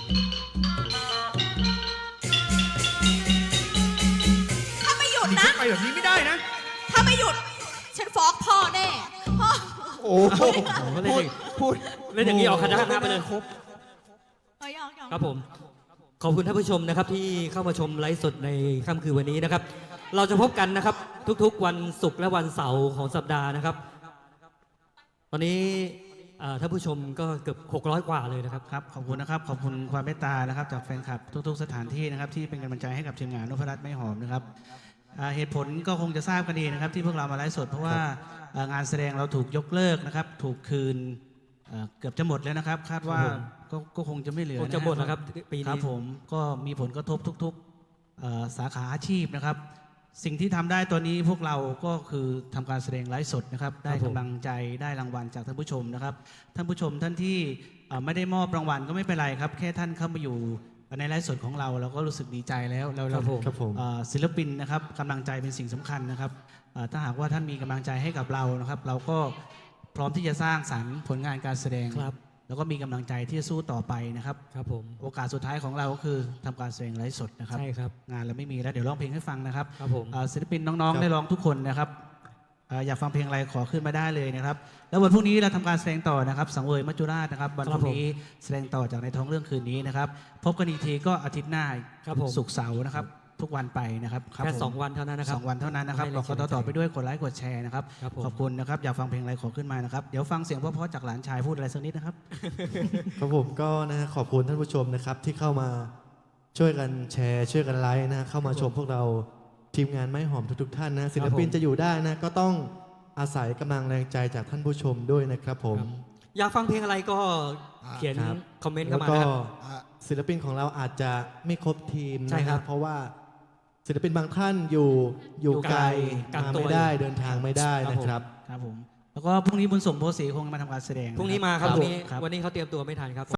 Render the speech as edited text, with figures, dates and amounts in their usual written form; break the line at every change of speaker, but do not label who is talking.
ถ้าไม่หยุด
นี่
นะ
ฉันไปแบบนี้ไม่ได้นะ
ถ้าไม่หยุด ฉันฟ้องพ่อแน่พ่อ
โอ้โห
เล่นอย่างพูดเล่นอย่างนี้ออกคณะไปเลย
ครบ
เอ้ยยอม
ครับผมขอบคุณท่านผู้ชมนะครับที่เข้ามาชมไลฟ์สดในค่ำคืนวันนี้นะครับ เราจะพบกันนะครับทุกๆวันศุกร์และวันเสาร์ของสัปดาห์นะครับ ตอนนี้ท่านผู้ชมก็เกือบ600กว่าเลยนะครับ
ครับขอบคุณนะครับขอบคุณความเมตตานะครับจากแฟนคลับทุกๆสถานที่นะครับที่เป็นกำลังใจให้กับทีมงานนพรัตน์ไม่หอมนะครับเหตุผลก็คงจะทราบกันดีนะครับที่พวกเรามาไลฟ์สดเพราะว่างานแสดงเราถูกยกเลิกนะครับถูกคืนเกือบจะหมดแล้วนะครับ คาดว่า
ครับผม
ก็คงจะไม่เหลือ
คงจะหมดแล้วครับปีนี้
ครับผมก็มีผลกระทบทุกๆสาขาอาชีพนะครับ สิ่งที่ทำได้ตัวนี้พวกเราก็คือทำการแสดงไลฟ์สดนะครับได้กำลังใจได้รางวัลจากท่านผู้ชมนะครับท่านผู้ชมท่านที่ไม่ได้มอบรางวัลก็ไม่เป็นไรครับแค่ท่านเข้ามาอยู่ในไลฟ์สดของเราเราก็รู้สึกดีใจแล้วเรา
ครับผม
ศิลปินนะครับกำลังใจเป็นสิ่งสำคัญนะครับถ้าหากว่าท่านมีกำลังใจให้กับเรานะครับเราก็พร้อมที่จะสร้างสรรค์ผลงานการแสดง
ครับ
แล้วก็มีกำลังใจที่จะสู้ต่อไปนะครับ
ครับผม
โอกาสสุดท้ายของเราก็คือทำการแสดงไลฟ์สดนะครับ
ใช่ครับ
งานเราไม่มีแล้วเดี๋ยวร้องเพลงให้ฟังนะครับ
ครับผม
ศิลปินน้องๆได้ร้องทุกคนนะครับอยากฟังเพลงอะไรขอขึ้นมาได้เลยนะครับแล้ววันพรุ่งนี้เราทำการแสดงต่อนะครับสังเวยมัจจุราชนะครับวันพรุ่งนี้แสดงต่อจากในท้องเรื่องคืนนี้นะครับพบกันอีกทีก็อาทิตย์หน้า
ครับผม
ศุกร์เสาร์นะครับทุกวันไปนะครับ
แค่
ผม
2 วันเท่านั้นนะครับ
สองวันเท่านั้นนะครับ
ให้
บอก
แรง
ต่อไปด้วยกดไลค์กดแชร์นะครับ
ครับผม
ขอบคุณนะครับอยากฟังเพลงอะไรขอขึ้นมานะครับเดี๋ยวฟังเสียงเพราะๆจากหลานชายพูดอะไรสักนิดนะครับ
ครับผมก็นะฮะขอบคุณท่านผู้ชมนะครับที่เข้ามาช่วยกันแชร์ช่วยกันไลค์นะเข้ามาชมพวกเราทีมงานไม้หอมทุกๆท่านนะศิลปินจะอยู่ได้นะก็ต้องอาศัยกำลังแรงใจจากท่านผู้ชมด้วยนะครับผม
อยากฟังเพลงอะไรก็เขียน
ครับ
คอมเมนต์
แล้
เข้าว มา
ก็
นะครับ
ศิลปินของเราอาจจะไม่ครบทีม
ใช่
นะ
ค
ค
รั
รับ บเพราะว่าศิลปินบางท่านอยู่ไกล
กัก
มา
ตัว
ไม่ได้
อยู่
เดินทางไม่ได้นะครับ
ครับผมแล้วก็พรุ่งนี้บุญส่งโพสีคงมาทำการแสดง
พรุ่งนี้มาครับ
ครับ
วันนี้
ครับ
วันนี้เขาเตรียมตัวไม่ทันครับ